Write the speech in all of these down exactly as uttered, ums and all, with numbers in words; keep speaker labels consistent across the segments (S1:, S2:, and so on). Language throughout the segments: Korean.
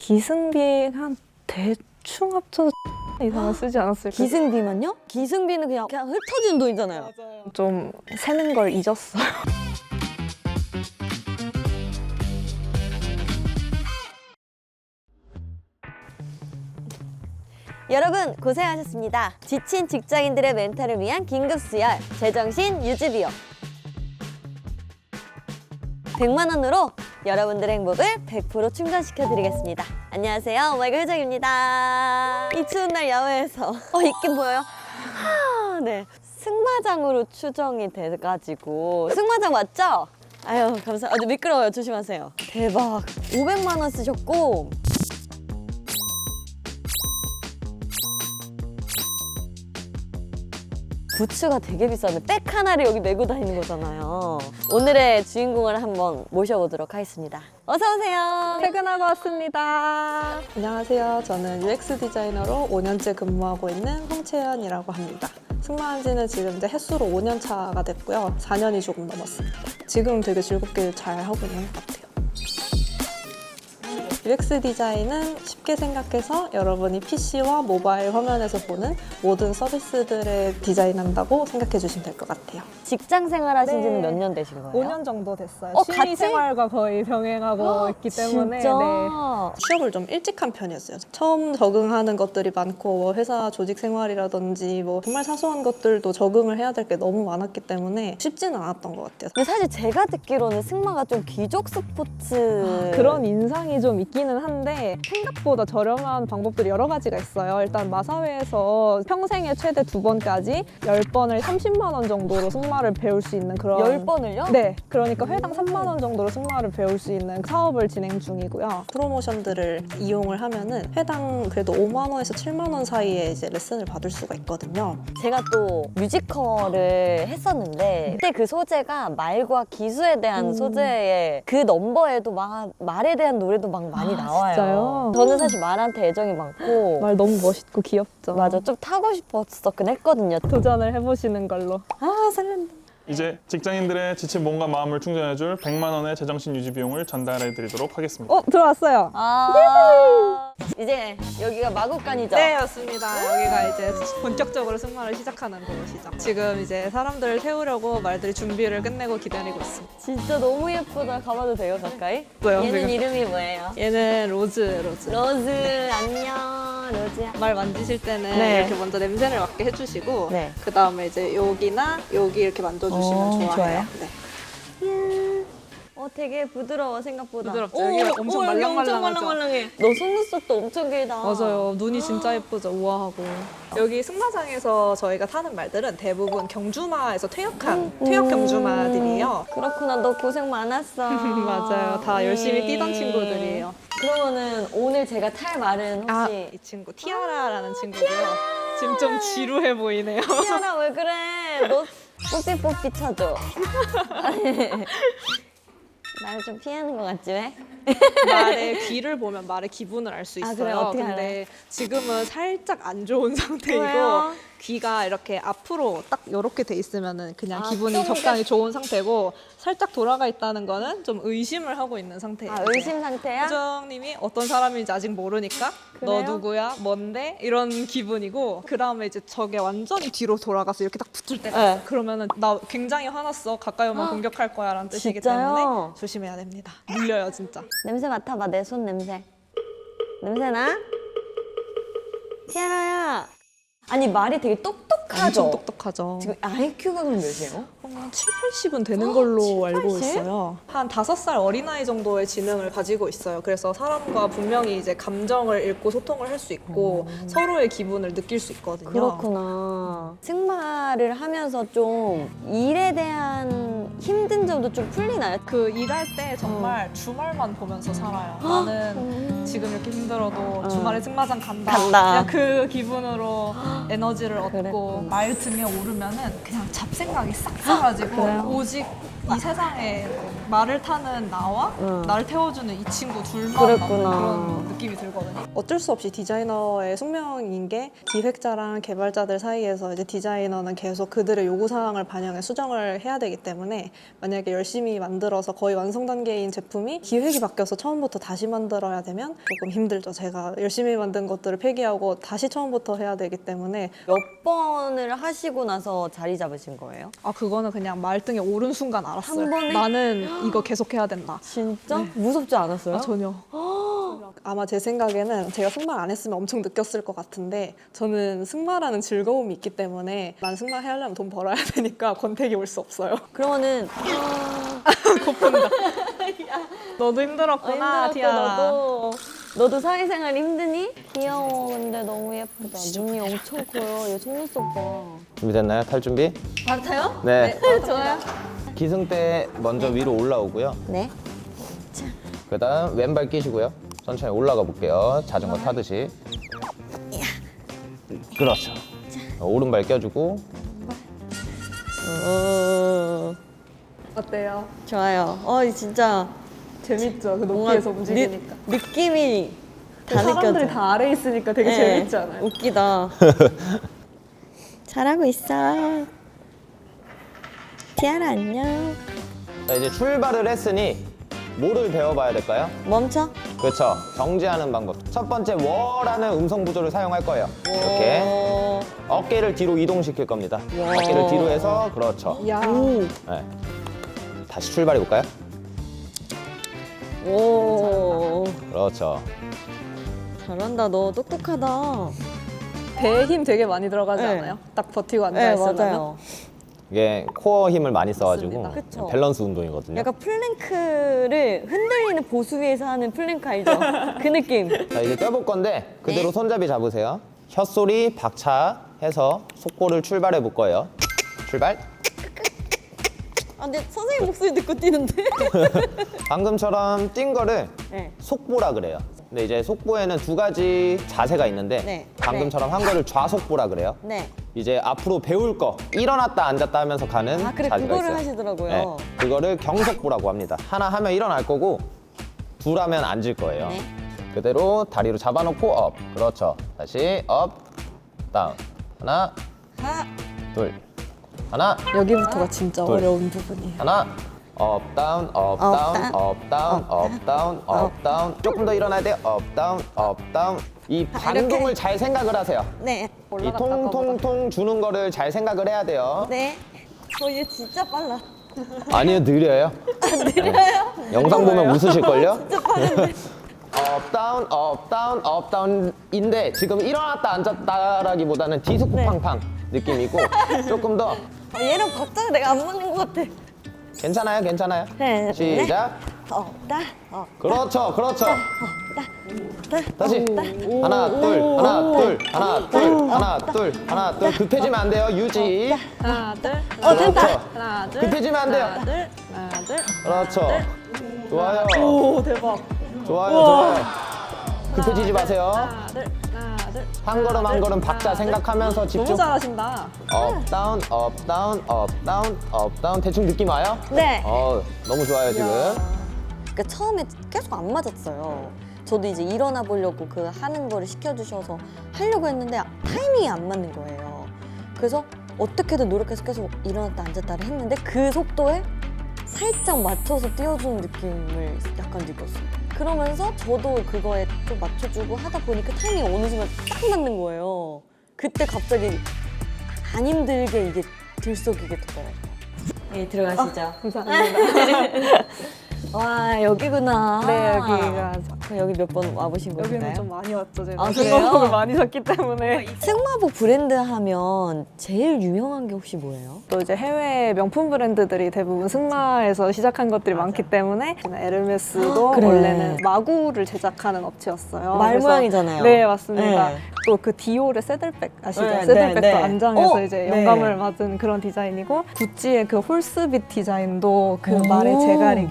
S1: 기승비 한 대충 합쳐서 이상은 쓰지 않았을까?
S2: 기승비만요? 기승비는 그냥, 그냥 흩어지는 돈이잖아요.
S1: 맞아요. 좀 세는 걸 잊었어요.
S2: 여러분 고생하셨습니다. 지친 직장인들의 멘탈을 위한 긴급수혈 제정신 유지비용 백만 원으로 여러분들의 행복을 백 퍼센트 충전시켜드리겠습니다. 안녕하세요, 오마이걸 효정입니다. 이 추운 날 야외에서 어 있긴 보여요? 하, 네, 승마장으로 추정이 돼가지고 승마장 맞죠? 아유 감사. 아주 미끄러워요. 조심하세요. 대박. 오백만 원 쓰셨고 부츠가 되게 비싸네. 백 하나를 여기 메고 다니는 거잖아요. 오늘의 주인공을 한번 모셔보도록 하겠습니다. 어서 오세요.
S1: 퇴근하고 왔습니다. 안녕하세요. 저는 유엑스 디자이너로 오 년째 근무하고 있는 홍채연이라고 합니다. 승마한 지는 지금 이제 횟수로 오 년 차가 됐고요. 사 년이 조금 넘었습니다. 지금 되게 즐겁게 잘 하고 있는 것 같아요. 유엑스 디자인은 쉽게 생각해서 여러분이 피시와 모바일 화면에서 보는 모든 서비스들을 디자인한다고 생각해 주시면 될 것 같아요.
S2: 직장 생활하신 지는
S1: 네.
S2: 몇 년 되신 거예요?
S1: 오 년 정도 됐어요.
S2: 어,
S1: 취미
S2: 같이?
S1: 생활과 거의 병행하고 있기 때문에
S2: 진짜?
S1: 네. 취업을 좀 일찍 한 편이었어요. 처음 적응하는 것들이 많고 뭐 회사 조직 생활이라든지 뭐 정말 사소한 것들도 적응을 해야 될 게 너무 많았기 때문에 쉽지는 않았던 것 같아요.
S2: 근데 사실 제가 듣기로는 승마가 좀 귀족 스포츠
S1: 그런 인상이 좀 있기는 한데 생각보다 저렴한 방법들이 여러 가지가 있어요. 일단 마사회에서 평생에 최대 두 번까지 열 번을 삼십만 원 정도로 승마를 배울 수 있는 그런
S2: 열 번을요?
S1: 네, 그러니까 회당 삼만 원 정도로 승마를 배울 수 있는 사업을 진행 중이고요. 프로모션들을 이용을 하면은 회당 그래도 오만 원에서 칠만 원 사이에 이제 레슨을 받을 수가 있거든요.
S2: 제가 또 뮤지컬을 했었는데 그때 그 소재가 말과 기수에 대한
S1: 음.
S2: 소재에 그 넘버에도 막 말에 대한 노래도 막 많이
S1: 아,
S2: 나와요.
S1: 진짜요?
S2: 저는 사실 말한테 애정이 많고
S1: 말 너무 멋있고 귀엽죠.
S2: 맞아, 좀 타고 싶었었긴 했거든요.
S1: 도전을 해보시는 걸로.
S2: 아 설렌다.
S3: 이제 직장인들의 지친 몸과 마음을 충전해줄 백만 원의 제정신 유지 비용을 전달해드리도록 하겠습니다.
S1: 어, 들어왔어요.
S2: 아 이제 여기가 마구간이죠?
S1: 네, 맞습니다. 여기가 이제 본격적으로 승마를 시작하는 곳이죠. 지금 이제 사람들을 태우려고 말들이 준비를 끝내고 기다리고 있습니다.
S2: 진짜 너무 예쁘다. 가봐도 돼요, 가까이?
S1: 뭐요,
S2: 얘는
S1: 지금?
S2: 이름이 뭐예요?
S1: 얘는 로즈, 로즈.
S2: 로즈. 안녕, 로즈야.
S1: 말 만지실 때는
S2: 네.
S1: 이렇게 먼저 냄새를 맡게 해주시고
S2: 네.
S1: 그 다음에 이제 여기나 여기 이렇게 만져주시면
S2: 어,
S1: 좋아요.
S2: 좋아요?
S1: 네.
S2: 어, 되게 부드러워, 생각보다.
S1: 부드럽죠?
S2: 오,
S1: 여기가 엄청
S2: 오, 여기
S1: 말랑말랑하죠?
S2: 엄청 말랑말랑해. 너 속눈썹도 엄청 길다.
S1: 맞아요. 눈이 진짜 예쁘죠? 우아하고. 여기 승마장에서 저희가 타는 말들은 대부분 경주마에서 퇴역한 퇴역 경주마들이에요.
S2: 그렇구나, 너 고생 많았어.
S1: 맞아요. 다 열심히
S2: 음.
S1: 뛰던 친구들이에요.
S2: 그러면은 오늘 제가 탈 말은
S1: 아,
S2: 혹시
S1: 이 친구 티아라라는 친구고요. 지금 좀 지루해 보이네요.
S2: 티아라 왜 그래? 너 뽀삐뽀삐 쳐줘. 나를 좀 피하는 것 같지 왜?
S1: 말의 귀를 보면 말의 기분을 알 수
S2: 아,
S1: 있어요.
S2: 그래요? 어떻게
S1: 근데
S2: 알아요?
S1: 지금은 살짝 안 좋은 상태이고
S2: 왜요?
S1: 귀가 이렇게 앞으로 딱 이렇게 돼 있으면은 그냥
S2: 아,
S1: 기분이
S2: 좀
S1: 적당히 좋은 상태고 살짝 돌아가 있다는 거는 좀 의심을 하고 있는 상태예요.
S2: 아, 의심 상태야?
S1: 효정님이 어떤 사람인지 아직 모르니까
S2: 그래요?
S1: 너 누구야? 뭔데? 이런 기분이고 그 다음에 이제 저게 완전히 뒤로 돌아가서 이렇게 딱 붙을 때가
S2: 네.
S1: 있어요. 그러면은 나 굉장히 화났어. 가까이 오면 공격할 거야 라는 뜻이기
S2: 진짜요?
S1: 때문에 조심해야 됩니다. 물려요 진짜.
S2: 냄새 맡아봐, 내 손 냄새. 냄새 나? 티아라야. 아니, 말이 되게 똑똑하죠?
S1: 엄청 똑똑하죠.
S2: 지금 아이큐가 그럼 몇이에요?
S1: 한 칠, 팔십은 되는 걸로
S2: 칠,
S1: 알고
S2: 팔십?
S1: 있어요. 한 다섯 살 어린아이 정도의 지능을 가지고 있어요. 그래서 사람과 분명히 이제 감정을 읽고 소통을 할 수 있고 서로의 기분을 느낄 수 있거든요.
S2: 그렇구나. 승마를 하면서 좀 일에 대한 힘든 점도 좀 풀리나요?
S1: 그 일할 때 정말 주말만 보면서 살아요. 나는 지금 이렇게 힘들어도 주말에 승마장 간다.
S2: 간다.
S1: 그냥 그 기분으로 에너지를 얻고
S2: 그랬구나.
S1: 말 등에 오르면은 그냥 잡생각이 싹 사라지고
S2: 그래요?
S1: 오직 이 세상에 말을 타는 나와
S2: 응.
S1: 날 태워주는 이 친구 둘만
S2: 그랬구나.
S1: 남는 그런 느낌이 들거든요. 어쩔 수 없이 디자이너의 숙명인 게 기획자랑 개발자들 사이에서 이제 디자이너는 계속 그들의 요구사항을 반영해 수정을 해야 되기 때문에 만약에 열심히 만들어서 거의 완성 단계인 제품이 기획이 바뀌어서 처음부터 다시 만들어야 되면 조금 힘들죠. 제가 열심히 만든 것들을 폐기하고 다시 처음부터 해야 되기 때문에
S2: 몇 번을 하시고 나서 자리 잡으신 거예요?
S1: 아 그거는 그냥 말등에 오른 순간 알았어요.
S2: 한 번에?
S1: 나는 이거 계속 해야 된다.
S2: 진짜? 무섭지 않았어요?
S1: 아, 전혀. 아마 제 생각에는 제가 승마 안 했으면 엄청 느꼈을 것 같은데 저는 승마라는 즐거움이 있기 때문에 난 승마 하려면 돈 벌어야 되니까 권태기 올 수 없어요.
S2: 그러면은
S1: 너도 힘들었구나,
S2: 힘들었고,
S1: 티아라.
S2: 너도 너도 사회생활 힘드니? 귀여워. 근데 너무 예쁘다. 눈이 엄청 커요. 얘 속눈썹 봐.
S4: 준비됐나요? 탈 준비?
S2: 바로 타요?
S4: 네.
S2: 좋아요.
S4: 기승대 먼저 위로 올라오고요.
S2: 네.
S4: 그다음 왼발 끼시고요. 천천히 올라가 볼게요. 자전거 타듯이. 그렇죠. 어, 오른발 껴주고.
S2: 어,
S1: 어때요?
S2: 좋아요. 어, 진짜
S1: 재밌죠? 그
S2: 뭔가
S1: 높이에서 움직이니까.
S2: 느, 느낌이 다
S1: 사람들이
S2: 느껴져.
S1: 다 아래 있으니까 되게
S2: 네.
S1: 재밌지 않아요?
S2: 웃기다. 잘하고 있어. 티아라 안녕.
S4: 자, 이제 출발을 했으니 뭐를 배워봐야 될까요?
S2: 멈춰.
S4: 그렇죠. 정지하는 방법. 첫 번째 워라는 음성 구조를 사용할 거예요. 이렇게
S2: 오.
S4: 어깨를 뒤로 이동시킬 겁니다.
S2: 와.
S4: 어깨를 뒤로 해서 그렇죠.
S1: 야.
S2: 오.
S4: 네. 다시 출발해 볼까요?
S2: 오.
S4: 그렇죠.
S2: 잘한다. 너 똑똑하다.
S1: 배에 힘 되게 많이 들어가지
S2: 네.
S1: 않아요? 딱 버티고 앉아
S2: 네,
S1: 있으면.
S2: 맞아요.
S4: 이게 코어 힘을 많이 써가지고
S1: 맞습니다.
S2: 그쵸.
S4: 밸런스 운동이거든요.
S2: 약간 플랭크를 흔들리는 보수 위에서 하는 플랭크 알죠? 그 느낌.
S4: 자, 이제 떼볼 건데 그대로
S2: 네.
S4: 손잡이 잡으세요. 혀소리 박차해서 속보를 출발해 볼 거예요. 출발.
S2: 아, 근데 선생님 목소리 듣고 뛰는데?
S4: 방금처럼 뛴 거를
S2: 네.
S4: 속보라 그래요. 근데 이제 속보에는 두 가지 자세가 있는데
S2: 네.
S4: 방금처럼 한 거를 좌속보라 그래요.
S2: 네.
S4: 이제 앞으로 배울 거 일어났다 앉았다 하면서 가는
S2: 아, 그래,
S4: 자세가
S2: 그거를
S4: 있어요.
S2: 하시더라고요.
S4: 네, 그거를 경속보라고 합니다. 하나 하면 일어날 거고 둘 하면 앉을 거예요.
S2: 네.
S4: 그대로 다리로 잡아놓고 업. 그렇죠. 다시 업, 다운. 하나,
S2: 하나.
S4: 둘. 하나,
S1: 여기부터가 진짜
S4: 둘.
S1: 어려운 부분이에요.
S4: 하나. 업, 다운, 업,
S2: 업,
S4: 다운,
S2: 다운.
S4: 업, 다운, 업, 다운, 업, 다운. 조금 더 일어나야 돼요. 업, 다운, 업, 다운. 이 반동을 잘 생각을 하세요.
S2: 네.
S4: 이
S1: 올라갔다
S4: 통통통 주는 거를 잘 생각을 해야 돼요.
S2: 네. 어, 얘 진짜 빨라.
S4: 아니요, 느려요.
S2: 느려요?
S4: 영상 보면 웃으실걸요? 업, 다운, 업, 다운, 업, 다운인데 지금 일어났다 앉았다라기보다는 뒤숭팡팡 느낌이고 조금 더
S2: 아, 얘랑 박자가 내가 안 맞는 것 같아.
S4: 괜찮아요, 괜찮아요.
S2: 네,
S4: 시작.
S2: 어, 나, 어,
S4: 그렇죠, 그렇죠.
S2: 나.
S4: 다시 하나, 둘, 하나, 둘, 하나, 둘, 하나, 둘, 하나, 둘. 급해지면 안 돼요. 유지.
S1: 하나, 둘.
S2: 어, 됐다.
S4: 그렇죠.
S1: 하나, 둘.
S4: 급해지면 안 돼요.
S1: 하나, 둘. 하나, 둘.
S4: 그렇죠. 좋아요.
S1: 오, 대박.
S4: 좋아요, 좋아요. 급해지지 마세요.
S1: 하나, 둘. 하나, 둘.
S4: 한 걸음 한 걸음 박자 생각하면서 집중.
S1: 너무 잘하신다.
S4: 업, 다운, 업, 다운, 업, 다운, 업, 다운. 대충 느낌 와요?
S2: 네.
S4: 어, 너무 좋아요, 지금.
S2: 그러니까 처음에 계속 안 맞았어요. 저도 이제 일어나 보려고 그 하는 거를 시켜주셔서 하려고 했는데 타이밍이 안 맞는 거예요. 그래서 어떻게든 노력해서 계속 일어났다 앉았다를 했는데 그 속도에 살짝 맞춰서 띄워주는 느낌을 약간 느꼈어요. 그러면서 저도 그거에 좀 맞춰주고 하다 보니까 타이밍이 어느 순간 딱 맞는 거예요. 그때 갑자기 안 힘들게 이게 들썩이게 되더라고요. 네, 들어가시죠.
S1: 감사합니다.
S2: 와, 여기구나.
S1: 네, 여기가.
S2: 그럼 여기 몇 번 와보신
S1: 여기는
S2: 거예요?
S1: 좀 많이 왔죠, 제가.
S2: 아,
S1: 승마복을
S2: 그래요?
S1: 많이 샀기 때문에.
S2: 승마복 브랜드 하면 제일 유명한 게 혹시 뭐예요?
S1: 또 이제 해외 명품 브랜드들이 대부분 승마에서 시작한 것들이 많기 때문에 에르메스도
S2: 아, 그래.
S1: 원래는 마구를 제작하는 업체였어요.
S2: 말
S1: 그래서-
S2: 모양이잖아요.
S1: 네, 맞습니다.
S2: 네.
S1: 또 그 디올의 새들백 아시죠?
S2: 네,
S1: 새들백도
S2: 네, 네.
S1: 안장에서
S2: 어,
S1: 이제
S2: 네.
S1: 영감을 받은 그런 디자인이고 구찌의 그 홀스빗 디자인도 그
S2: 오.
S1: 말의 제갈이기도 하고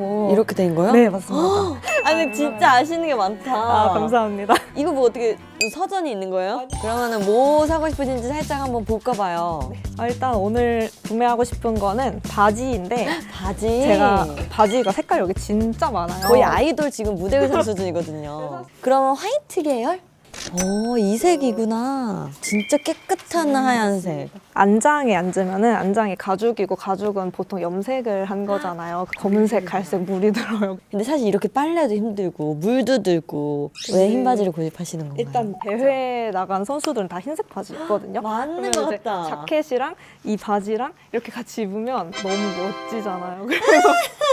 S1: 하고
S2: 이렇게 된 거요?
S1: 네, 맞습니다.
S2: 아니 진짜 아시는 게 많다.
S1: 아, 감사합니다.
S2: 이거 뭐 어떻게 서전이 있는 거예요? 그러면은 뭐 사고 싶으신지 살짝 한번 볼까 봐요.
S1: 아, 일단 오늘 구매하고 싶은 거는 바지인데
S2: 바지.
S1: 제가 바지가 색깔 여기 진짜 많아요.
S2: 거의 아이돌 지금 무대 의상 수준이거든요. 그러면 화이트 계열? 오, 이 색이구나. 진짜 깨끗한 하얀색.
S1: 안장에 앉으면은 안장이 가죽이고 가죽은 보통 염색을 한 거잖아요. 검은색, 갈색 물이 들어요.
S2: 근데 사실 이렇게 빨래도 힘들고 물도 들고 왜 흰 바지를 고집하시는 건가요?
S1: 일단 대회 나간 선수들은 다 흰색 바지 입거든요.
S2: 맞는
S1: 그러면
S2: 것
S1: 이제
S2: 같다.
S1: 자켓이랑 이 바지랑 이렇게 같이 입으면 너무 멋지잖아요. 그리고,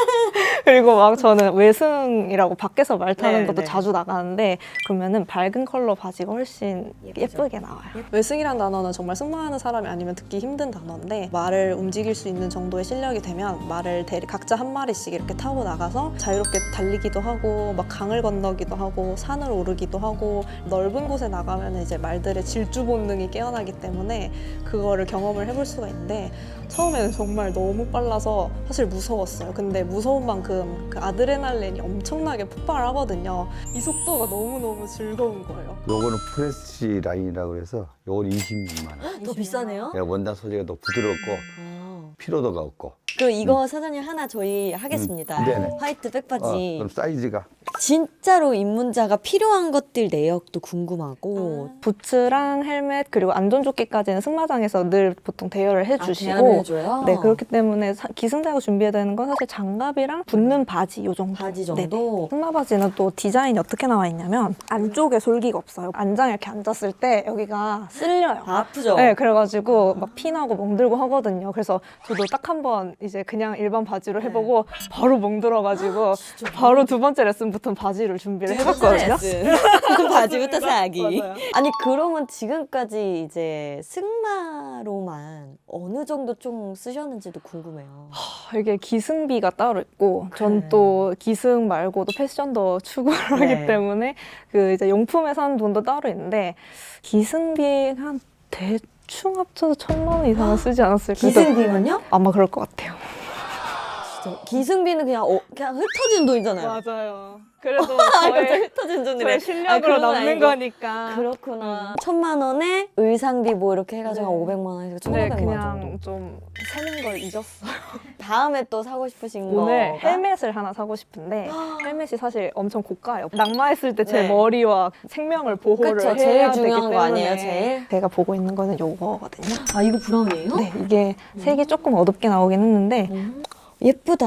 S1: 그리고 막 저는 외승이라고 밖에서 말 타는
S2: 네,
S1: 것도
S2: 네.
S1: 자주 나가는데 그러면은 밝은 컬러 바지가 훨씬 예쁘게 나와요. 외승이란 단어는 정말 승마하는 사람이 아니면 듣기 힘든 단어인데 말을 움직일 수 있는 정도의 실력이 되면 말을 대리 각자 한 마리씩 이렇게 타고 나가서 자유롭게 달리기도 하고 막 강을 건너기도 하고 산을 오르기도 하고 넓은 곳에 나가면 이제 말들의 질주 본능이 깨어나기 때문에 그거를 경험을 해볼 수가 있는데 처음에는 정말 너무 빨라서 사실 무서웠어요. 근데 무서운 만큼 그 아드레날린이 엄청나게 폭발하거든요. 이 속도가 너무너무 즐거운 거예요.
S5: 요거는 프레시 라인이라고 해서 요건 이십육만 원.
S2: 더 비싸네요?
S5: 야, 원단 소재가 더 부드럽고
S2: 아.
S5: 피로도가 없고.
S2: 그럼 이거 사장님 하나 저희 하겠습니다.
S5: 음, 네네.
S2: 화이트
S5: 어,
S2: 백바지.
S5: 그럼 사이즈가
S2: 진짜로 입문자가 필요한 것들 내역도 궁금하고
S1: 부츠랑 헬멧 그리고 안전조끼까지는 승마장에서 늘 보통 대여를 해주시고
S2: 아, 대안을 해줘요?
S1: 네 그렇기 때문에 사- 기승자가 준비해야 되는 건 사실 장갑이랑 붙는 바지 요 정도.
S2: 바지
S1: 네.
S2: 정도?
S1: 승마 바지는 또 디자인이 어떻게 나와 있냐면 안쪽에 솔기가 없어요. 안장에 이렇게 앉았을 때 여기가 쓸려요.
S2: 아프죠?
S1: 네, 그래가지고 막 피나고 멍들고 하거든요. 그래서 저도 딱 한 번 이제 그냥 일반 바지로
S2: 네.
S1: 해보고 바로 멍들어가지고 바로 두 번째 레슨부터 바지를 준비를 해봤거든요.
S2: 바지부터 사기.
S1: 맞아요.
S2: 아니 그러면 지금까지 이제 승마로만 어느 정도 좀 쓰셨는지도 궁금해요.
S1: 이게 기승비가 따로 있고 전
S2: 그래.
S1: 또 기승 말고도 패션도 추구를
S2: 네.
S1: 하기 때문에 그 이제 용품에 사는 돈도 따로 있는데 기승비 한 대충 합쳐서 천만 원 이상은 쓰지 않았을까.
S2: 기승비면요?
S1: 아마 그럴 것 같아요.
S2: 진짜 기승비는 그냥 어, 그냥 흩어지는 돈이잖아요.
S1: 맞아요. 그래도
S2: 아, 갑자기 흩어지는 돈이래.
S1: 저의
S2: 아,
S1: 실력으로
S2: 그런 건
S1: 남는
S2: 아니고.
S1: 거니까.
S2: 그렇구나. 천만 원에 의상비 뭐 이렇게 해가지고
S1: 네.
S2: 한 오백만 원에서
S1: 네,
S2: 천오백만 원 정도.
S1: 그냥 좀 세는 걸 잊었어요.
S2: 다음에 또 사고 싶으신
S1: 오늘
S2: 거가?
S1: 헬멧을 하나 사고 싶은데 헬멧이 사실 엄청 고가예요. 낙마했을 때 제
S2: 네.
S1: 머리와 생명을 보호를
S2: 그쵸,
S1: 해야
S2: 제일
S1: 되기
S2: 중요한
S1: 때문에
S2: 거 아니에요, 제일?
S1: 제가 보고 있는 거는 요거거든요.
S2: 아 이거 브라운이에요?
S1: 네, 이게 색이 조금 어둡게 나오긴 했는데
S2: 음. 예쁘다.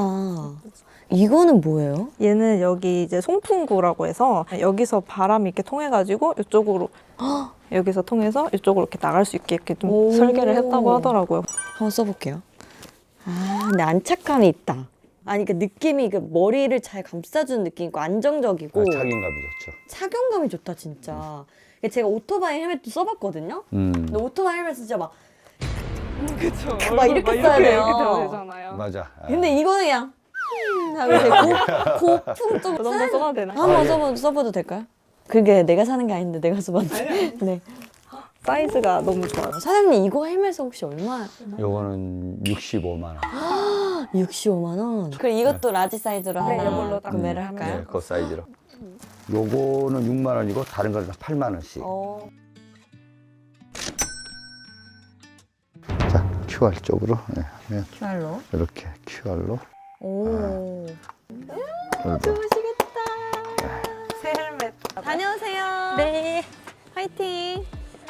S2: 이거는 뭐예요?
S1: 얘는 여기 이제 송풍구라고 해서 여기서 바람이 이렇게 통해가지고 이쪽으로 여기서 통해서 이쪽으로 이렇게 나갈 수 있게 이렇게 좀
S2: 오.
S1: 설계를 했다고 하더라고요.
S2: 한번 써볼게요. 아, 근데 안착감이 있다. 아니, 그 느낌이 그 머리를 잘 감싸주는 느낌 있고 안정적이고
S5: 아, 착용감이 좋죠.
S2: 착용감이 좋다 진짜. 제가 오토바이 헬멧도 써봤거든요.
S5: 음,
S2: 근데 오토바이 헬멧 진짜 막
S1: 그쵸.
S2: 막 이렇게 써야 돼요.
S1: 이렇게 돼야 되잖아요.
S5: 맞아. 아,
S2: 근데 이거는 그냥 음 하고 되게 고, 고풍 좀
S1: 그 정도 써도 되나?
S2: 한번 써봐도, 써봐도 될까요? 그게 내가 사는 게 아닌데 내가 써봤는데. 네.
S1: 사이즈가 너무 좋아요.
S2: 사장님 이거 헬멧 혹시 얼마?
S5: 요거는 육십오만 원.
S2: 육십오만 원. 그럼 이것도 라지 사이즈로
S1: 네,
S2: 하나
S1: 이걸로 딱
S2: 구매를
S1: 구매하면
S2: 할까요?
S5: 네, 그 사이즈로. 요거는 육만 원이고 다른 거는 다 팔만 원씩.
S2: 어.
S5: 자, 큐알 쪽으로 네, 하면
S2: 큐알로.
S5: 이렇게 큐알로.
S2: 오.
S5: 그리고
S2: 좋으시겠다.
S1: 새 헬멧.
S2: 다녀오세요. 네. 화이팅.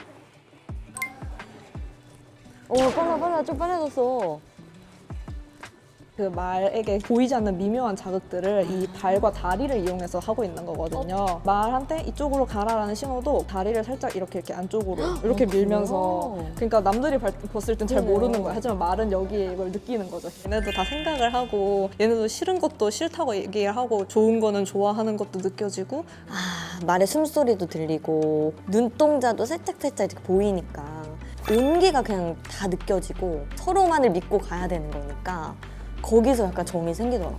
S2: 오, 빨라, 빨라. 좀 빨라졌어.
S1: 그 말에게 보이지 않는 미묘한 자극들을 이 발과 다리를 이용해서 하고 있는 거거든요. 말한테 이쪽으로 가라라는 신호도 다리를 살짝 이렇게 이렇게 안쪽으로 이렇게
S2: 어,
S1: 밀면서
S2: 그래요?
S1: 그러니까 남들이 발- 봤을 땐 잘
S2: 그러네요.
S1: 모르는 거야. 하지만 말은 여기에 이걸 느끼는 거죠. 얘네도 다 생각을 하고 얘네도 싫은 것도 싫다고 얘기를 하고 좋은 거는 좋아하는 것도 느껴지고
S2: 아, 말의 숨소리도 들리고 눈동자도 살짝살짝 이렇게 보이니까 온기가 그냥 다 느껴지고 서로만을 믿고 가야 되는 거니까 거기서 약간 정이 생기더라고요.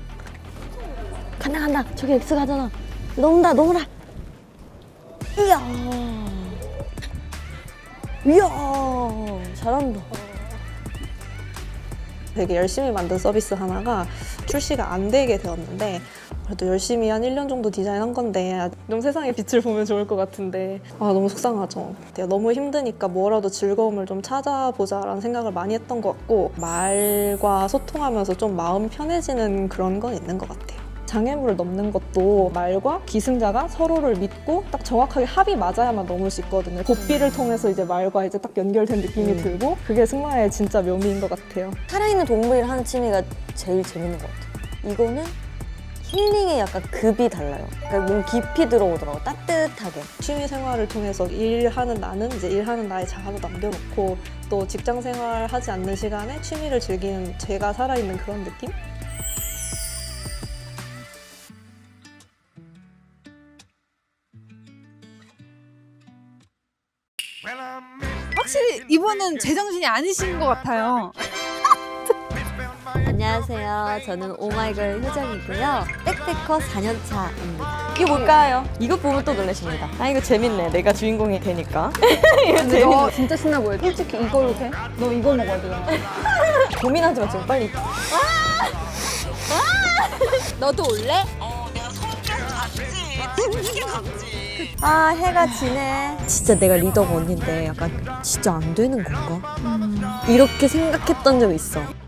S2: 간다 간다. 저기 X 가잖아. 넘다 넘어라. 이야. 이야. 잘한다.
S1: 되게 열심히 만든 서비스 하나가 출시가 안 되게 되었는데 그래도 열심히 한 일 년 정도 디자인한 건데 좀 세상의 빛을 보면 좋을 것 같은데 아 너무 속상하죠. 내가 너무 힘드니까 뭐라도 즐거움을 좀 찾아보자라는 생각을 많이 했던 것 같고 말과 소통하면서 좀 마음 편해지는 그런 건 있는 것 같아요. 장애물을 넘는 것도 말과 기승자가 서로를 믿고 딱 정확하게 합이 맞아야만 넘을 수 있거든요. 고삐를 통해서 이제 말과 이제 딱 연결된 느낌이 들고 그게 승마의 진짜 묘미인 것 같아요.
S2: 살아있는 동물이랑 하는 취미가 제일 재밌는 것 같아요. 이거는 힐링의 약간 급이 달라요. 그러니까 몸 깊이 들어오더라고, 따뜻하게.
S1: 취미 생활을 통해서 일하는 나는 이제 일하는 나의 자아도 남겨놓고 또 직장 생활 하지 않는 시간에 취미를 즐기는 제가 살아있는 그런 느낌?
S6: 확실히 이분은 제정신이 아니신 것 같아요.
S2: 안녕하세요. 저는 오마이걸 효정이고요. 백패커 사 년 차입니다. 이게 뭘까요? 이거 보면 또 놀라십니다. 아, 이거 재밌네. 내가 주인공이 되니까. 이거
S6: 근데 너
S2: 재밌네.
S6: 진짜 신나 보여. 솔직히 이걸로 돼? 너 이거 먹어야 돼.
S2: 고민하지 마, 지금 빨리.
S6: 너도 올래?
S2: 아, 해가 지네. 진짜 내가 리더가 언니인데 약간 진짜 안 되는 건가? 이렇게 생각했던 적 있어.